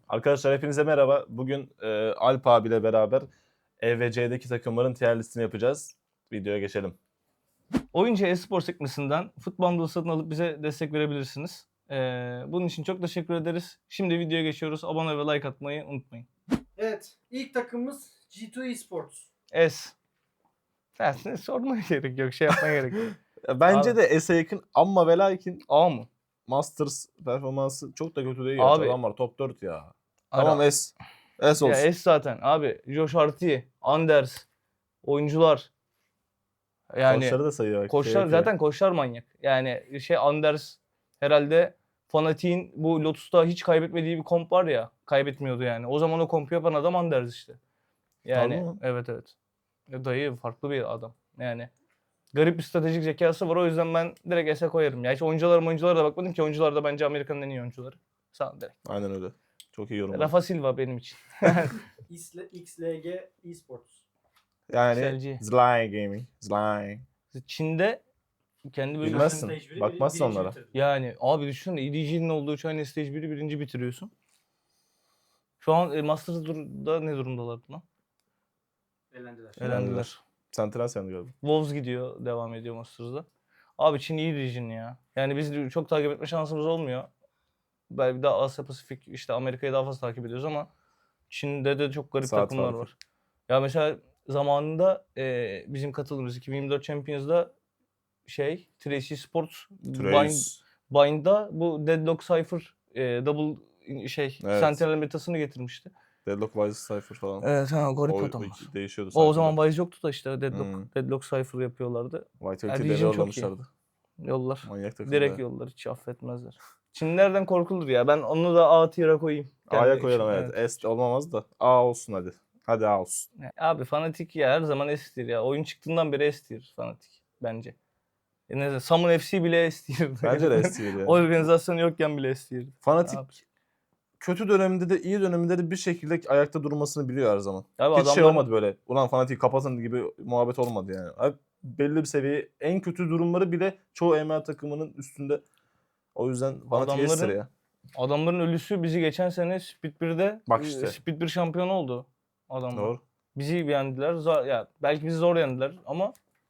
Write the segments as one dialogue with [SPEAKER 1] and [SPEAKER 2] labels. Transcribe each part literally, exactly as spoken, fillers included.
[SPEAKER 1] Arkadaşlar hepinize merhaba. Bugün e, Alp abiyle beraber E ve C'deki takımların tier listini yapacağız. Videoya geçelim.
[SPEAKER 2] Oyuncu e-spor sekmesinden futbol satın alıp bize destek verebilirsiniz. Ee, bunun için çok teşekkür ederiz. Şimdi videoya geçiyoruz. Abone ve like atmayı unutmayın.
[SPEAKER 3] Evet, ilk takımımız G iki Esports.
[SPEAKER 2] S. Dersine sormaya gerek yok. Şey yapmaya gerek yok.
[SPEAKER 1] Bence
[SPEAKER 2] Abi.
[SPEAKER 1] de S'e yakın ama ve lakin
[SPEAKER 2] A mı?
[SPEAKER 1] Masters performansı çok da kötü değil.
[SPEAKER 2] Abi.
[SPEAKER 1] Abi. Adam var top dört ya.
[SPEAKER 2] Ara-
[SPEAKER 1] Tamam S. S olsun.
[SPEAKER 2] Ya S zaten. Abi Josh Harty, Anders, oyuncular. Yani
[SPEAKER 1] Koçları da sayıyor. bak, şey
[SPEAKER 2] koçlar
[SPEAKER 1] yapıyor.
[SPEAKER 2] zaten koçlar manyak. Yani şey Anders herhalde Fanatik'in bu Lotus'ta hiç kaybetmediği bir komp var ya. Kaybetmiyordu yani. O zaman o kompu yapan adam Anders işte. Yani
[SPEAKER 1] Harbi mi?
[SPEAKER 2] evet evet. Ya dayı farklı bir adam. Yani garip bir stratejik zekası var. O yüzden ben direkt S'e koyarım. Ya hiç oyunculara oyunculara da bakmadım ki. Oyuncular da bence Amerika'nın en iyi oyuncuları. Sağ ol direkt.
[SPEAKER 1] Aynen öyle. Çok iyi yorum.
[SPEAKER 2] Rafa Silva benim için.
[SPEAKER 3] X L G Esports.
[SPEAKER 1] Yani
[SPEAKER 2] Selci.
[SPEAKER 1] Zly Gaming. Zly.
[SPEAKER 2] Çin'de kendi
[SPEAKER 1] Bilmezsin.
[SPEAKER 2] bölgesinde...
[SPEAKER 3] Stage
[SPEAKER 1] Bakmazsın
[SPEAKER 3] birinci
[SPEAKER 1] onlara.
[SPEAKER 3] bitirdi.
[SPEAKER 2] Yani abi düşünsene E D G'nin olduğu China Stage bir'i birinci bitiriyorsun. Şu an e, Masters'da ne durumdalar lan?
[SPEAKER 3] Elendiler.
[SPEAKER 2] Elendiler.
[SPEAKER 1] Sentinel sen gördüm.
[SPEAKER 2] Wolves gidiyor, devam ediyor Masters'da. Abi Çin iyi region ya. Yani biz çok takip etme şansımız olmuyor. Belki daha Asya Pasifik, işte Amerika'yı daha fazla takip ediyoruz ama Çin'de de çok garip
[SPEAKER 1] Saat
[SPEAKER 2] takımlar
[SPEAKER 1] farkı.
[SPEAKER 2] var. Ya mesela zamanında e, bizim katıldığımız iki bin yirmi dört Champions'da şey, Tracy Sports Bind,
[SPEAKER 1] Trace.
[SPEAKER 2] Bind'da bu Deadlock Cypher e, double şey
[SPEAKER 1] Evet.
[SPEAKER 2] Sentinel metasını getirmişti.
[SPEAKER 1] Deadlock Wise Cypher falan.
[SPEAKER 2] Evet ha garip
[SPEAKER 1] O, o
[SPEAKER 2] adamlar.
[SPEAKER 1] iki değişiyordu.
[SPEAKER 2] O, o
[SPEAKER 1] sanki
[SPEAKER 2] zaman
[SPEAKER 1] de.
[SPEAKER 2] Wise yoktu da işte Deadlock,
[SPEAKER 1] Hmm.
[SPEAKER 2] Deadlock Cypher yapıyorlardı.
[SPEAKER 1] Vitality
[SPEAKER 2] Ya,
[SPEAKER 1] devre
[SPEAKER 2] Region çok
[SPEAKER 1] yollamışlardı.
[SPEAKER 2] Yollar.
[SPEAKER 1] Manyak takım.
[SPEAKER 2] Direkt
[SPEAKER 1] be.
[SPEAKER 2] yollar, hiç affetmezler. Çinlerden korkulur ya. Ben onu da A tier'a koyayım.
[SPEAKER 1] A'ya
[SPEAKER 2] Kendi
[SPEAKER 1] koyalım
[SPEAKER 2] için,
[SPEAKER 1] evet. S olmamaz da. A olsun hadi. Hadi A olsun.
[SPEAKER 2] Ya, abi Fnatic ya her zaman S tier ya. Oyun çıktığından beri S tier Fnatic bence. E ne Summon F C bile S tier.
[SPEAKER 1] Bence de S tier ya.
[SPEAKER 2] Organizasyon yokken bile S tier.
[SPEAKER 1] Fanatik
[SPEAKER 2] Abi.
[SPEAKER 1] kötü döneminde de iyi döneminde de bir şekilde ayakta durmasını biliyor her zaman.
[SPEAKER 2] Abi
[SPEAKER 1] Hiç şey
[SPEAKER 2] adamların-
[SPEAKER 1] olmadı böyle. Ulan Fanatik kapatın gibi muhabbet olmadı yani. Abi belli bir seviye. En kötü durumları bile çoğu E M A takımının üstünde. O yüzden Fanatik S tier
[SPEAKER 2] Adamların-
[SPEAKER 1] ya.
[SPEAKER 2] Adamların ölüsü bizi geçen sene Speed bir'de
[SPEAKER 1] Bak
[SPEAKER 2] e,
[SPEAKER 1] işte.
[SPEAKER 2] Speed bir şampiyonu oldu adamlar.
[SPEAKER 1] Doğru.
[SPEAKER 2] Bizi yendiler. Zor, ya belki bizi zor yendiler ama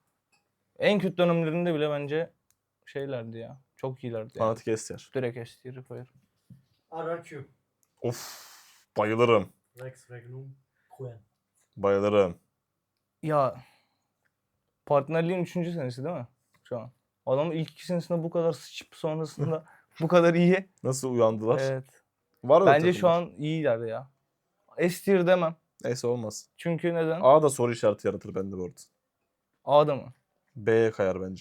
[SPEAKER 2] en kötü dönemlerinde bile bence şeylerdi ya. Çok iyilerdi yani.
[SPEAKER 1] Fanatik S tier.
[SPEAKER 2] Direkt S tier'i koyarım.
[SPEAKER 3] R R Q.
[SPEAKER 1] Of. Bayılırım.
[SPEAKER 3] Rex Regnum Queen.
[SPEAKER 1] Bayılırım.
[SPEAKER 2] Ya partnerliğin üçüncü senesi değil mi şu an? Adamın ilk iki senesinde bu kadar sıçıp sonrasında bu kadar iyi.
[SPEAKER 1] Nasıl uyandılar?
[SPEAKER 2] Evet.
[SPEAKER 1] Var öyle
[SPEAKER 2] Bence şu
[SPEAKER 1] takımlar.
[SPEAKER 2] an iyiler ya. S tier demem.
[SPEAKER 1] Neyse olmaz.
[SPEAKER 2] Çünkü neden?
[SPEAKER 1] A da soru işareti yaratır bende bu arada.
[SPEAKER 2] A'da mı?
[SPEAKER 1] B'ye kayar bence.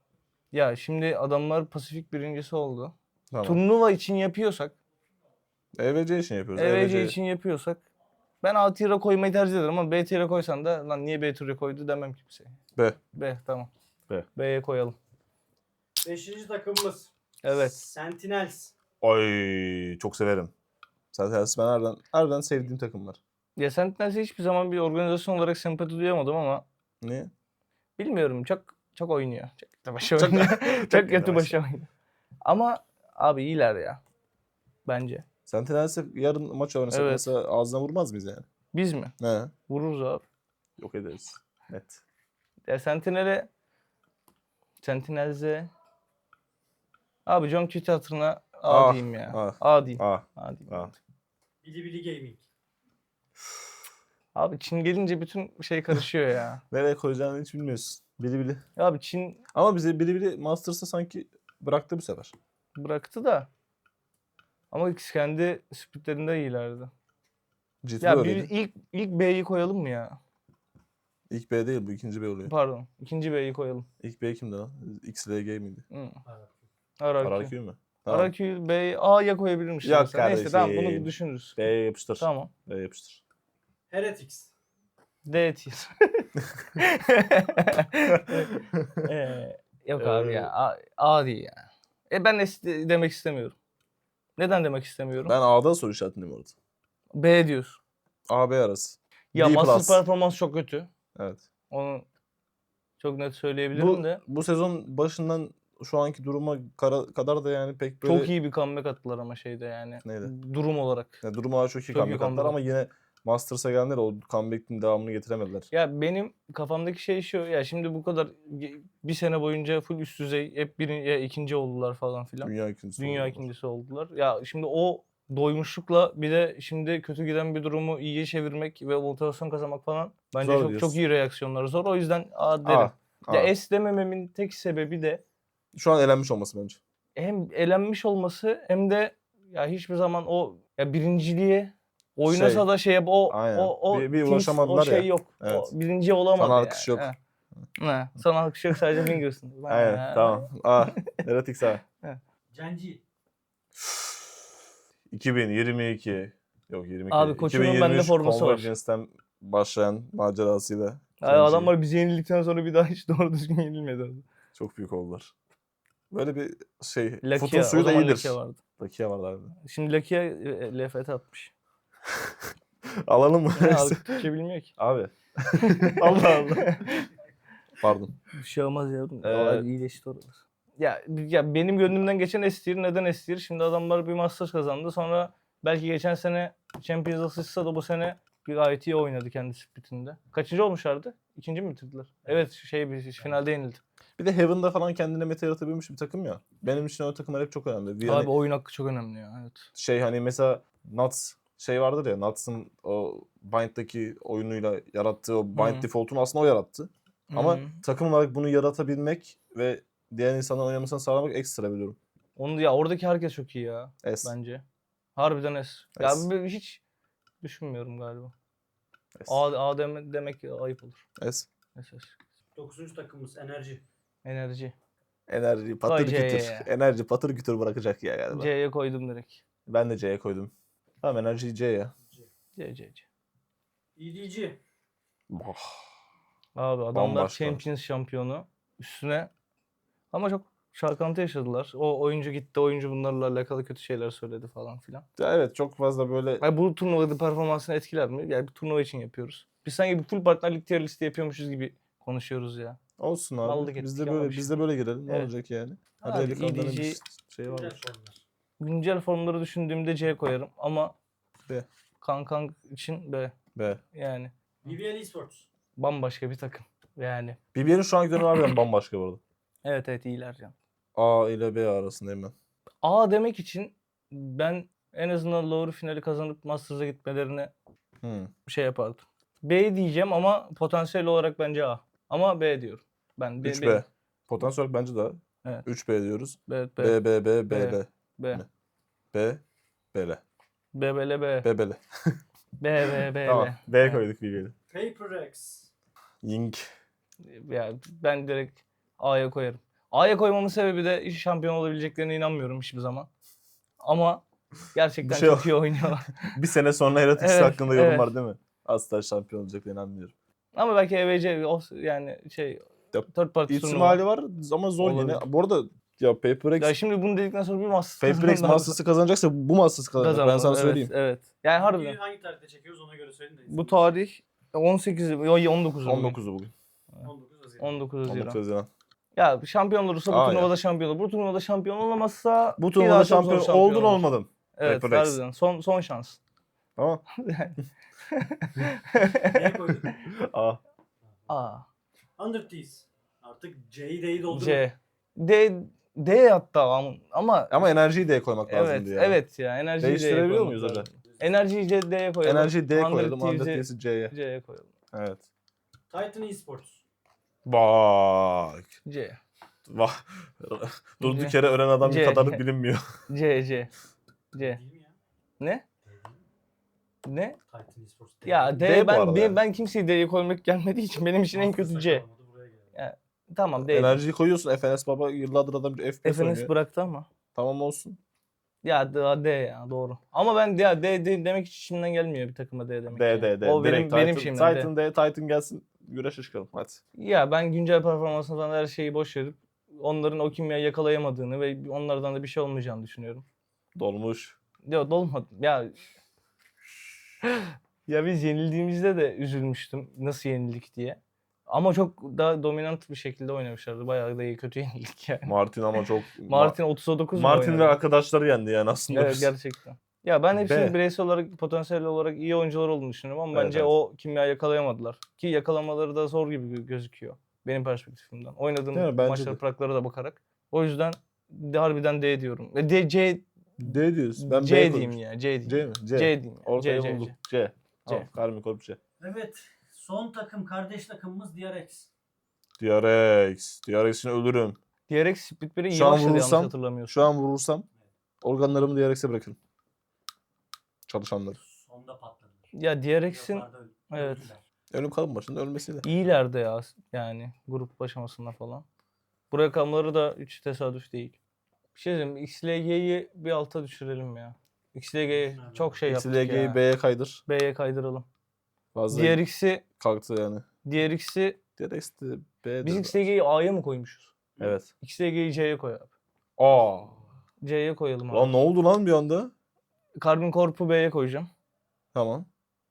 [SPEAKER 2] Ya şimdi adamlar Pasifik birincisi oldu.
[SPEAKER 1] Tamam.
[SPEAKER 2] Turnuva için yapıyorsak,
[SPEAKER 1] E V C için yapıyoruz.
[SPEAKER 2] E V C için yapıyorsak ben A tier'e koymayı tercih ederim ama B tier'e koysan da lan niye B tier'e koydu demem kimseye.
[SPEAKER 1] B.
[SPEAKER 2] B tamam.
[SPEAKER 1] B.
[SPEAKER 2] B'ye koyalım.
[SPEAKER 3] Beşinci takımımız.
[SPEAKER 2] Evet.
[SPEAKER 3] Sentinels.
[SPEAKER 1] Ay çok severim. Zaten ben harbiden, harbiden sevdiğim takımlar.
[SPEAKER 2] Ya Sentinels'e hiçbir zaman bir organizasyon olarak sempati duyamadım ama
[SPEAKER 1] Niye?
[SPEAKER 2] bilmiyorum çok çok oynuyor. Çok kötü başa
[SPEAKER 1] Çok-
[SPEAKER 2] oynuyor.
[SPEAKER 1] çok
[SPEAKER 2] çok kötü başa oynuyor. Ama abi iyiler ya. Bence.
[SPEAKER 1] Sentinels'e yarın maç oynasak
[SPEAKER 2] Evet.
[SPEAKER 1] mesela ağzına vurmaz mıyız yani?
[SPEAKER 2] Biz mi?
[SPEAKER 1] Ne?
[SPEAKER 2] Vururuz abi.
[SPEAKER 1] Yok ederiz. Net.
[SPEAKER 2] Ya Sentinel'e Sentinels'e abi John Kitty hatırına A
[SPEAKER 1] Ah,
[SPEAKER 2] diyeyim ya.
[SPEAKER 1] ah,
[SPEAKER 2] A diyeyim.
[SPEAKER 1] A.
[SPEAKER 2] A diyeyim.
[SPEAKER 1] A.
[SPEAKER 3] Bili Bili Gaming.
[SPEAKER 2] Abi Çin gelince bütün şey karışıyor ya.
[SPEAKER 1] Nereye koyacağını hiç bilmiyorsun. Bili bili.
[SPEAKER 2] Ya abi Çin
[SPEAKER 1] Ama bize bili bili Masters'ta sanki bıraktı bu sefer.
[SPEAKER 2] bıraktı da ama ikisi kendi splitlerinde iyilerdi.
[SPEAKER 1] Ciddi
[SPEAKER 2] Ya bir
[SPEAKER 1] öyleydi.
[SPEAKER 2] ilk ilk B'yi koyalım mı ya?
[SPEAKER 1] İlk B değil bu ikinci B oluyor.
[SPEAKER 2] Pardon. İkinci B'yi koyalım.
[SPEAKER 1] İlk B kimdi lan? X L G miydi?
[SPEAKER 2] Hı.
[SPEAKER 3] R R Q.
[SPEAKER 2] R R
[SPEAKER 1] R
[SPEAKER 2] Q.
[SPEAKER 1] R Q mü?
[SPEAKER 2] R R Q B'yi A'ya koyabilirmiş.
[SPEAKER 1] Yok
[SPEAKER 2] mesela. Neyse tamam
[SPEAKER 1] kardeşim.
[SPEAKER 2] bunu düşünürüz.
[SPEAKER 1] B'ye yapıştır.
[SPEAKER 2] Tamam.
[SPEAKER 1] B'ye yapıştır.
[SPEAKER 3] Heretics.
[SPEAKER 2] D tier. Ee, yok abi ya. A, A değil ya. E ben S demek istemiyorum. Neden demek istemiyorum?
[SPEAKER 1] Ben A'da soru işaretindeyim orada.
[SPEAKER 2] B diyorsun.
[SPEAKER 1] A B arası.
[SPEAKER 2] Ya
[SPEAKER 1] B
[SPEAKER 2] Master
[SPEAKER 1] plus.
[SPEAKER 2] performans çok kötü.
[SPEAKER 1] Evet.
[SPEAKER 2] Onu çok net söyleyebilirim
[SPEAKER 1] Bu,
[SPEAKER 2] de.
[SPEAKER 1] bu sezon başından şu anki duruma kara- kadar da yani pek böyle
[SPEAKER 2] Çok iyi bir comeback attılar ama şeyde yani.
[SPEAKER 1] Neydi?
[SPEAKER 2] Durum olarak.
[SPEAKER 1] yani durum olarak çok iyi
[SPEAKER 2] Çok iyi
[SPEAKER 1] comeback attılar
[SPEAKER 2] comeback
[SPEAKER 1] ama yine Masters'a gelenler o comeback'in devamını getiremediler.
[SPEAKER 2] Ya benim kafamdaki şey şu. Ya şimdi bu kadar ge- bir sene boyunca full üst düzey hep birinci ya ikinci oldular falan filan.
[SPEAKER 1] Dünya ikincisi
[SPEAKER 2] Dünya
[SPEAKER 1] oldular.
[SPEAKER 2] ikincisi oldular. Ya şimdi o doymuşlukla bir de şimdi kötü giden bir durumu iyiye çevirmek ve motivasyon kazanmak falan bence
[SPEAKER 1] Zor
[SPEAKER 2] çok
[SPEAKER 1] diyorsun.
[SPEAKER 2] çok iyi reaksiyonlar. Zor. O yüzden A derim.
[SPEAKER 1] Aa,
[SPEAKER 2] Ya
[SPEAKER 1] aa.
[SPEAKER 2] S demememin tek sebebi de
[SPEAKER 1] Şu an elenmiş olması bence.
[SPEAKER 2] hem elenmiş olması hem de ya hiçbir zaman o ya birinciliğe oynasa
[SPEAKER 1] Şey,
[SPEAKER 2] da şey yap o
[SPEAKER 1] aynen.
[SPEAKER 2] o o
[SPEAKER 1] Bir- bir
[SPEAKER 2] teams-
[SPEAKER 1] ulaşamadılar
[SPEAKER 2] o şey
[SPEAKER 1] ya.
[SPEAKER 2] yok.
[SPEAKER 1] Evet.
[SPEAKER 2] O birinci olamadı
[SPEAKER 1] Sana
[SPEAKER 2] yani.
[SPEAKER 1] alkış yok.
[SPEAKER 2] He. He. Sana alkış yok, sadece fingers'ın.
[SPEAKER 1] Aynen
[SPEAKER 2] Ha.
[SPEAKER 1] tamam. Aa, Heretics A.
[SPEAKER 3] Genji.
[SPEAKER 1] iki bin yirmi iki. Yok yirmi iki.
[SPEAKER 2] Abi koçumun
[SPEAKER 1] iki bin yirmi
[SPEAKER 2] bende
[SPEAKER 1] üç
[SPEAKER 2] forması var.
[SPEAKER 1] Convergence'den başlayan macerasıyla.
[SPEAKER 2] Ya
[SPEAKER 1] Genji.
[SPEAKER 2] adamlar bizi yenildikten sonra bir daha hiç doğru düzgün yenilmedi. Abi.
[SPEAKER 1] Çok büyük oldular. Böyle bir şey. Futun
[SPEAKER 2] Lakia,
[SPEAKER 1] suyu
[SPEAKER 2] o
[SPEAKER 1] da
[SPEAKER 2] zaman
[SPEAKER 1] iyidir.
[SPEAKER 2] Lakia vardı.
[SPEAKER 1] Lakia vardı abi.
[SPEAKER 2] Şimdi Lakia e, L F T atmış.
[SPEAKER 1] Alalım mı?
[SPEAKER 2] Ne abi, Türkçe bilmiyor ki.
[SPEAKER 1] Abi. Allah Allah. Pardon.
[SPEAKER 2] Bir şey olmaz yavrum.
[SPEAKER 1] Ee,
[SPEAKER 2] Ee, iyileşti oralar. Ya, ya benim gönlümden geçen S tier. Neden S tier? Şimdi adamlar bir Masters kazandı. Sonra belki geçen sene Champions Assist'a da bu sene bir gayet iyi oynadı kendi splitinde. Kaçıncı olmuşlardı? İkinci mi bitirdiler? Evet, şey bir finalde yenildi.
[SPEAKER 1] Bir de Heaven'da falan kendine meta yaratabilmiş bir takım ya. Benim için o takımlar hep çok önemli. Yani
[SPEAKER 2] Abi oyun hakkı çok önemli ya. Evet.
[SPEAKER 1] şey hani mesela Nuts şey vardır ya, Nuts'ın o Bind'daki oyunuyla yarattığı o Bind
[SPEAKER 2] Hı.
[SPEAKER 1] default'unu aslında o yarattı. Ama
[SPEAKER 2] Hı.
[SPEAKER 1] takım olarak bunu yaratabilmek ve diğer insanların oynamasını sağlamak ekstra bir durum.
[SPEAKER 2] Onu ya oradaki herkes çok iyi ya
[SPEAKER 1] S.
[SPEAKER 2] bence. Harbiden S. Ya
[SPEAKER 1] S.
[SPEAKER 2] bir- hiç düşünmüyorum galiba.
[SPEAKER 1] S.
[SPEAKER 2] A, A deme- demek ayıp olur.
[SPEAKER 1] S.
[SPEAKER 2] S, S.
[SPEAKER 3] Dokuzuncu takımımız enerji.
[SPEAKER 2] Enerji.
[SPEAKER 1] Enerji patır
[SPEAKER 2] C'ye
[SPEAKER 1] kütür.
[SPEAKER 2] ya.
[SPEAKER 1] Enerji patır kütür bırakacak ya galiba.
[SPEAKER 2] C'ye koydum direkt.
[SPEAKER 1] Ben de C'ye koydum. Tamam, enerji C ya.
[SPEAKER 2] C, C, C.
[SPEAKER 3] E D G.
[SPEAKER 1] Oh.
[SPEAKER 2] Abi adamlar
[SPEAKER 1] Bambaşka.
[SPEAKER 2] Champions şampiyonu üstüne ama çok çalkantı yaşadılar. O oyuncu gitti, oyuncu bunlarla alakalı kötü şeyler söyledi falan filan.
[SPEAKER 1] Ya evet, çok fazla böyle
[SPEAKER 2] Yani bu turnuvada performansını etkiler mi? Yani bir turnuva için yapıyoruz. Biz sanki bir full partnerlik tier listi yapıyormuşuz gibi konuşuyoruz ya.
[SPEAKER 1] olsun abi.
[SPEAKER 2] Mallık
[SPEAKER 1] Biz
[SPEAKER 2] ettik
[SPEAKER 1] de
[SPEAKER 2] ama
[SPEAKER 1] böyle
[SPEAKER 2] bir
[SPEAKER 1] biz
[SPEAKER 2] şey
[SPEAKER 1] de böyle girelim. Ne
[SPEAKER 2] Evet.
[SPEAKER 1] olacak yani? Hadi
[SPEAKER 2] Abi,
[SPEAKER 1] eli kanların
[SPEAKER 2] E D G
[SPEAKER 1] bir şey
[SPEAKER 3] Güncel
[SPEAKER 1] var.
[SPEAKER 3] formlar.
[SPEAKER 2] Güncel formları düşündüğümde C koyarım ama
[SPEAKER 1] B.
[SPEAKER 2] Kankan için B.
[SPEAKER 1] B.
[SPEAKER 2] Yani
[SPEAKER 3] B B L Esports.
[SPEAKER 2] bambaşka bir takım. Yani.
[SPEAKER 1] B B L'in şu anki dönemi harbiden bambaşka bu arada.
[SPEAKER 2] Evet evet iyiler can.
[SPEAKER 1] A ile B arasındayım ben.
[SPEAKER 2] A demek için ben en azından lower finali kazanıp Masters'a gitmelerine
[SPEAKER 1] Hmm.
[SPEAKER 2] şey yapardım. B diyeceğim ama potansiyel olarak bence A. Ama B diyorum. Ben B,
[SPEAKER 1] üç
[SPEAKER 2] B.
[SPEAKER 1] B. Potansiyel olarak bence daha.
[SPEAKER 2] Evet.
[SPEAKER 1] üç B diyoruz.
[SPEAKER 2] Evet, B.
[SPEAKER 1] B, B, B, B,
[SPEAKER 2] B.
[SPEAKER 1] B.
[SPEAKER 2] B.
[SPEAKER 1] Ne? B, B, L.
[SPEAKER 2] B, B, L, B.
[SPEAKER 1] B, B, L.
[SPEAKER 2] B, B, B,
[SPEAKER 1] Tamam.
[SPEAKER 2] L.
[SPEAKER 1] B
[SPEAKER 2] Evet.
[SPEAKER 1] koyduk B B'yi.
[SPEAKER 3] Paper X.
[SPEAKER 1] Ying.
[SPEAKER 2] Ya ben direkt A'ya koyarım. A'ya koymamın sebebi de şampiyon olabileceklerine inanmıyorum hiçbir zaman. Ama gerçekten
[SPEAKER 1] Bir şey
[SPEAKER 2] çok
[SPEAKER 1] yok.
[SPEAKER 2] iyi oynuyorlar.
[SPEAKER 1] Bir sene sonra Heretics
[SPEAKER 2] Evet,
[SPEAKER 1] hakkında yorum
[SPEAKER 2] evet.
[SPEAKER 1] var değil mi? Asla şampiyon olacaklarına inanmıyorum.
[SPEAKER 2] Ama belki E V C o yani şey
[SPEAKER 1] Ya,
[SPEAKER 2] third party
[SPEAKER 1] İhtimali
[SPEAKER 2] turnuva.
[SPEAKER 1] var ama zor
[SPEAKER 2] Olabilir.
[SPEAKER 1] yine. Bu arada ya Paper X,
[SPEAKER 2] Ya şimdi bunu dedikten sonra bir Masters
[SPEAKER 1] Paper X Masters'ı kazanacaksa bu Masters'ı kazanacak. Ben sana
[SPEAKER 2] evet,
[SPEAKER 1] söyleyeyim.
[SPEAKER 2] Evet. Yani harbiden.
[SPEAKER 3] Videoyu hangi tarihte çekiyoruz ona göre söyleyin de.
[SPEAKER 2] Bu tarih on sekiz on dokuz
[SPEAKER 1] on dokuzu bugün.
[SPEAKER 3] on dokuz Haziran.
[SPEAKER 2] on dokuz
[SPEAKER 1] on dokuz
[SPEAKER 2] Haziran.
[SPEAKER 1] Haziran.
[SPEAKER 2] Ya şampiyon olursa bu
[SPEAKER 1] Aa,
[SPEAKER 2] turnuvada şampiyon olur. Bu turnuvada şampiyon olamazsa
[SPEAKER 1] Bu
[SPEAKER 2] bir
[SPEAKER 1] turnuvada
[SPEAKER 2] daha çok zor
[SPEAKER 1] şampiyon oldun
[SPEAKER 2] olur.
[SPEAKER 1] olmadın.
[SPEAKER 2] Evet,
[SPEAKER 1] Paper X.
[SPEAKER 2] harbiden. Son son şans.
[SPEAKER 1] Tamam.
[SPEAKER 3] Neye koyduk?
[SPEAKER 1] A.
[SPEAKER 2] A,
[SPEAKER 3] Under T's. Artık C'yi D'yi doldurun.
[SPEAKER 2] C, D, D hatta ama ama
[SPEAKER 1] Ama enerjiyi D'ye koymak
[SPEAKER 2] evet,
[SPEAKER 1] lazımdı ya.
[SPEAKER 2] evet ya enerjiyi D'ye
[SPEAKER 1] Değiştirebiliyor
[SPEAKER 2] koymak
[SPEAKER 1] muyuz hocam?
[SPEAKER 2] lazım. Enerjiyi C- D'ye koyalım.
[SPEAKER 1] Enerjiyi D'ye
[SPEAKER 2] Hundred
[SPEAKER 1] koyalım.
[SPEAKER 2] Thieves'i
[SPEAKER 1] Hundred Thieves'i C'ye.
[SPEAKER 2] C'ye koyalım.
[SPEAKER 1] Evet.
[SPEAKER 3] Titan Esports.
[SPEAKER 1] Bak.
[SPEAKER 2] C.
[SPEAKER 1] Vah. Durduk
[SPEAKER 2] C.
[SPEAKER 1] yere ölen adam
[SPEAKER 2] C.
[SPEAKER 1] kadarı bilinmiyor.
[SPEAKER 2] C, C. C.
[SPEAKER 3] Değil mi ya?
[SPEAKER 2] Ne?
[SPEAKER 3] Değil mi?
[SPEAKER 2] Ne?
[SPEAKER 3] Titan Esports.
[SPEAKER 2] Ya D,
[SPEAKER 1] D bu
[SPEAKER 2] ben
[SPEAKER 1] arada
[SPEAKER 2] D,
[SPEAKER 1] yani.
[SPEAKER 2] ben kimseyi D'ye koymak gelmediği için benim için en kötü C. Tamam D.
[SPEAKER 1] Enerjiyi koyuyorsun. F N S Baba yıllardır adam F P S
[SPEAKER 2] F N S
[SPEAKER 1] oynuyor.
[SPEAKER 2] bıraktı ama.
[SPEAKER 1] Tamam olsun.
[SPEAKER 2] Ya D, D ya doğru. Ama ben ya D, D demek hiç içimden gelmiyor bir takıma D demek.
[SPEAKER 1] D,
[SPEAKER 2] yani.
[SPEAKER 1] D, D.
[SPEAKER 2] O benim
[SPEAKER 1] Direkt
[SPEAKER 2] benim
[SPEAKER 1] Titan,
[SPEAKER 2] şeyimden D.
[SPEAKER 1] Titan D. Titan gelsin. Güreşe çıkalım. Hadi.
[SPEAKER 2] Ya ben güncel performansını falan her şeyi boş verip onların o kimyayı yakalayamadığını ve onlardan da bir şey olmayacağını düşünüyorum.
[SPEAKER 1] Dolmuş.
[SPEAKER 2] Ya dolmadı. Ya ya biz yenildiğimizde de üzülmüştüm. Nasıl yenildik diye. Ama çok daha dominant bir şekilde oynamışlardı. Bayağı da iyi kötü yenildik yani.
[SPEAKER 1] Martin ama çok...
[SPEAKER 2] Martin otuza dokuz mu
[SPEAKER 1] Martin ve
[SPEAKER 2] oynadı?
[SPEAKER 1] arkadaşları yendi yani aslında.
[SPEAKER 2] Evet
[SPEAKER 1] biz.
[SPEAKER 2] gerçekten. Ya ben hepsinin
[SPEAKER 1] B.
[SPEAKER 2] bireysel olarak, potansiyel olarak iyi oyuncular olduğunu düşünüyorum ama
[SPEAKER 1] Evet,
[SPEAKER 2] bence
[SPEAKER 1] evet.
[SPEAKER 2] o kimya yakalayamadılar. Ki yakalamaları da zor gibi gö- gözüküyor benim perspektifimden. Oynadığım
[SPEAKER 1] Değil mi? Bence
[SPEAKER 2] maçlara,
[SPEAKER 1] de.
[SPEAKER 2] praklara da bakarak. O yüzden de harbiden D diyorum. Ve D, C,
[SPEAKER 1] D diyoruz. Ben
[SPEAKER 2] C
[SPEAKER 1] B
[SPEAKER 2] diyeyim
[SPEAKER 1] koymuşum.
[SPEAKER 2] ya. C diyeyim.
[SPEAKER 1] C mi? C.
[SPEAKER 2] C diyeyim. ya.
[SPEAKER 1] Ortaya
[SPEAKER 2] C, C,
[SPEAKER 1] bulduk.
[SPEAKER 2] C.
[SPEAKER 1] C. Tamam. Karmi Korp C.
[SPEAKER 3] Evet. Son takım kardeş takımımız D R X.
[SPEAKER 1] D R X. D R X'in ölürüm.
[SPEAKER 2] D R X Split bir'e iyi
[SPEAKER 1] Şu an
[SPEAKER 2] başladı yanlış
[SPEAKER 1] vurursam-
[SPEAKER 2] hatırlamıyorsun.
[SPEAKER 1] Şu an vurursam organlarımı D R X'e bırakırım. Çalışanları.
[SPEAKER 3] Sonda patladılar.
[SPEAKER 2] Ya D R X'in
[SPEAKER 3] Playoff'larda öl-
[SPEAKER 2] evet.
[SPEAKER 3] öldüler.
[SPEAKER 1] Ölüm kalım başında ölmesiyle.
[SPEAKER 2] İyilerde ya yani grup aşamasında falan. Buraya kalmaları da hiç tesadüf değil. Bir şey diyeyim X L G'yi bir alta düşürelim ya. X L G'yi çok şey yaptık
[SPEAKER 1] X L G'yi
[SPEAKER 2] ya.
[SPEAKER 1] B'ye kaydır.
[SPEAKER 2] B'ye kaydıralım.
[SPEAKER 1] Fazla
[SPEAKER 2] D R X'i
[SPEAKER 1] kalktı yani.
[SPEAKER 2] D R X'i
[SPEAKER 1] D R X de B'de.
[SPEAKER 2] biz X L G'yi A'ya mı koymuşuz?
[SPEAKER 1] Evet.
[SPEAKER 2] X L G'yi C'ye koy abi.
[SPEAKER 1] Aa.
[SPEAKER 2] C'ye koyalım abi.
[SPEAKER 1] Lan ne oldu lan bir anda?
[SPEAKER 2] Carbon Corp'u B'ye koyacağım.
[SPEAKER 1] Tamam.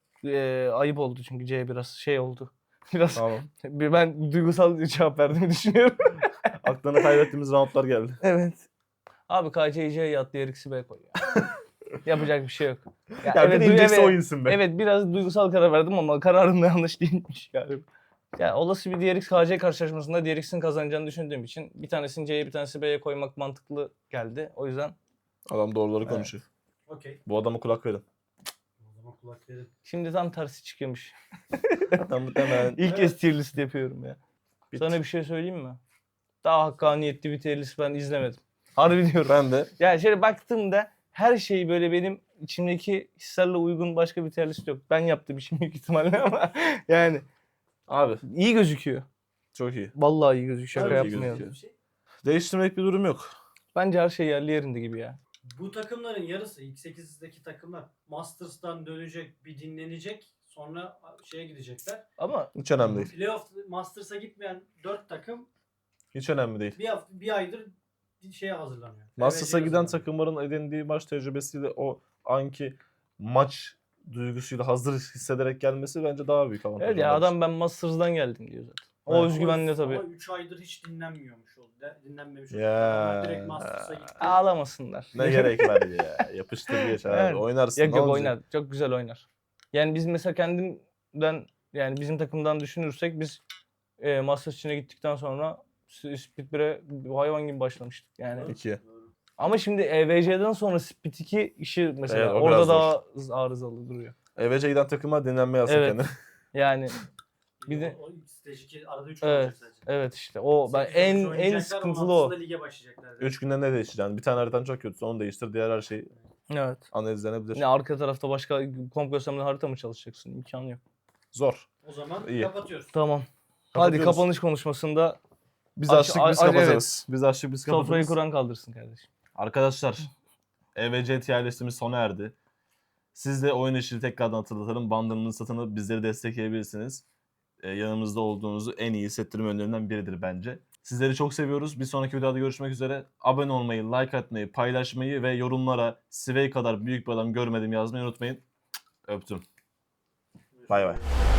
[SPEAKER 2] Ee, ayıp oldu çünkü C biraz şey oldu. Biraz
[SPEAKER 1] Tamam.
[SPEAKER 2] bir ben duygusal cevap verdiğimi düşünüyorum.
[SPEAKER 1] Aklını kaybettiğimiz roundlar geldi.
[SPEAKER 2] Evet. Abi K C'yi C'ye at, D R X'i B koy ya. Yapacak bir şey yok. Ya,
[SPEAKER 1] Ya
[SPEAKER 2] evet,
[SPEAKER 1] bir
[SPEAKER 2] du-
[SPEAKER 1] inecekse
[SPEAKER 2] evet,
[SPEAKER 1] o insin be.
[SPEAKER 2] evet biraz duygusal karar verdim ama kararım da yanlış değilmiş galiba. Ya olası bir D R X K C karşılaşmasında D R X'in kazanacağını düşündüğüm için bir tanesini C'ye bir tanesi B'ye koymak mantıklı geldi. O yüzden
[SPEAKER 1] Adam doğruları
[SPEAKER 2] Evet.
[SPEAKER 1] konuşuyor.
[SPEAKER 3] Okey.
[SPEAKER 1] Bu adama kulak verin.
[SPEAKER 3] O zaman kulak verin.
[SPEAKER 2] şimdi tam tersi çıkıyormuş.
[SPEAKER 1] Adam muhtemelen
[SPEAKER 2] İlk kez tier list yapıyorum ya.
[SPEAKER 1] Bit.
[SPEAKER 2] Sana bir şey söyleyeyim mi? Daha hakkaniyetli bir tier list ben izlemedim. Harbi diyorum.
[SPEAKER 1] ben de
[SPEAKER 2] Yani şöyle baktığımda her şey böyle benim içimdeki hislerle uygun başka bir tier list yok. Ben yaptım işim büyük ihtimalle ama yani
[SPEAKER 1] abi
[SPEAKER 2] iyi gözüküyor.
[SPEAKER 1] çok iyi.
[SPEAKER 2] Vallahi iyi gözüküyor. Şaka
[SPEAKER 1] Tabii iyi
[SPEAKER 2] yapmayalım.
[SPEAKER 1] gözüküyor.
[SPEAKER 3] Bir şey.
[SPEAKER 1] Değiştirmek bir durum yok.
[SPEAKER 2] Bence her şey yerli yerinde gibi ya.
[SPEAKER 3] Bu takımların yarısı ilk sekizdeki takımlar Masters'tan dönecek, bir dinlenecek. Sonra şeye gidecekler.
[SPEAKER 2] Ama
[SPEAKER 1] Hiç önemli değil.
[SPEAKER 3] Playoff Masters'a gitmeyen dört takım
[SPEAKER 1] Hiç önemli değil.
[SPEAKER 3] bir hafta, bir aydır bir şeye hazırlanıyor.
[SPEAKER 1] Masters'a
[SPEAKER 3] Evet,
[SPEAKER 1] giden
[SPEAKER 3] hazırlanıyor.
[SPEAKER 1] takımların edindiği maç tecrübesiyle o anki maç duygusuyla hazır hissederek gelmesi bence daha büyük avantaj.
[SPEAKER 2] evet ya
[SPEAKER 1] onlar için.
[SPEAKER 2] adam ben Masters'dan geldim diyor zaten. O
[SPEAKER 1] Evet.
[SPEAKER 2] özgüvenle tabii.
[SPEAKER 3] Ama üç aydır hiç dinlenmiyormuş oldu. De- Dinlenmemiş oldu.
[SPEAKER 1] Ya.
[SPEAKER 3] Adamlar direkt Masters'a gitti.
[SPEAKER 2] Ağlamasınlar.
[SPEAKER 1] Ne gerek var ya. Yapıştır geç abi.
[SPEAKER 2] Evet.
[SPEAKER 1] Oynarsın.
[SPEAKER 2] Yok
[SPEAKER 1] ne
[SPEAKER 2] yok
[SPEAKER 1] olacak?
[SPEAKER 2] oynar. Çok güzel oynar. Yani biz mesela kendimden yani bizim takımdan düşünürsek biz e, Masters içine gittikten sonra Split bir'e hayvan gibi başlamıştık. Yani
[SPEAKER 1] İki.
[SPEAKER 3] Doğru.
[SPEAKER 2] ama şimdi E V C'den sonra Split iki işi mesela
[SPEAKER 1] Evet, o
[SPEAKER 2] orada
[SPEAKER 1] biraz
[SPEAKER 2] daha arızalı duruyor.
[SPEAKER 1] E V C giden takıma dinlenme yazsın
[SPEAKER 2] Evet.
[SPEAKER 1] kendine.
[SPEAKER 2] Yani Bir de-
[SPEAKER 3] O, o stage iki arada üç
[SPEAKER 2] Evet.
[SPEAKER 3] olacak sadece.
[SPEAKER 2] evet işte o ben
[SPEAKER 3] Sekiz dokuz
[SPEAKER 2] en en
[SPEAKER 3] oynayacaklar,
[SPEAKER 2] sıkıntılı
[SPEAKER 3] on
[SPEAKER 2] o.
[SPEAKER 3] altısında lige başlayacaklar.
[SPEAKER 1] Üç günde ne değişeceksin? Bir tane haritan çok kötüsü onu değiştir. Diğer her şey
[SPEAKER 2] Evet.
[SPEAKER 1] analizlenebilir.
[SPEAKER 2] Ne arka tarafta başka komp göstermeli harita mı çalışacaksın? İmkanı yok.
[SPEAKER 1] Zor.
[SPEAKER 3] O zaman
[SPEAKER 1] İyi.
[SPEAKER 3] kapatıyoruz.
[SPEAKER 2] Tamam. Hadi
[SPEAKER 1] Kapatıyoruz.
[SPEAKER 2] kapanış konuşmasında
[SPEAKER 1] Biz
[SPEAKER 2] Aç-
[SPEAKER 1] açtık biz
[SPEAKER 2] a- a-
[SPEAKER 1] kapatırız. Biz açtık biz
[SPEAKER 2] sofrayı
[SPEAKER 1] kapatırız.
[SPEAKER 2] kuran kaldırsın kardeşim.
[SPEAKER 1] Arkadaşlar E V C tier listimiz sona erdi. Siz de oyun işini tekrardan hatırlatalım. Bandırmanın satını bizleri destekleyebilirsiniz. Ee, yanımızda olduğunuzu en iyi hissettirme yönlerinden biridir bence. Sizleri çok seviyoruz. Bir sonraki videoda görüşmek üzere. Abone olmayı, like atmayı, paylaşmayı ve yorumlara Svey kadar büyük bir adam görmedim yazmayı unutmayın. Öptüm. Bay bay.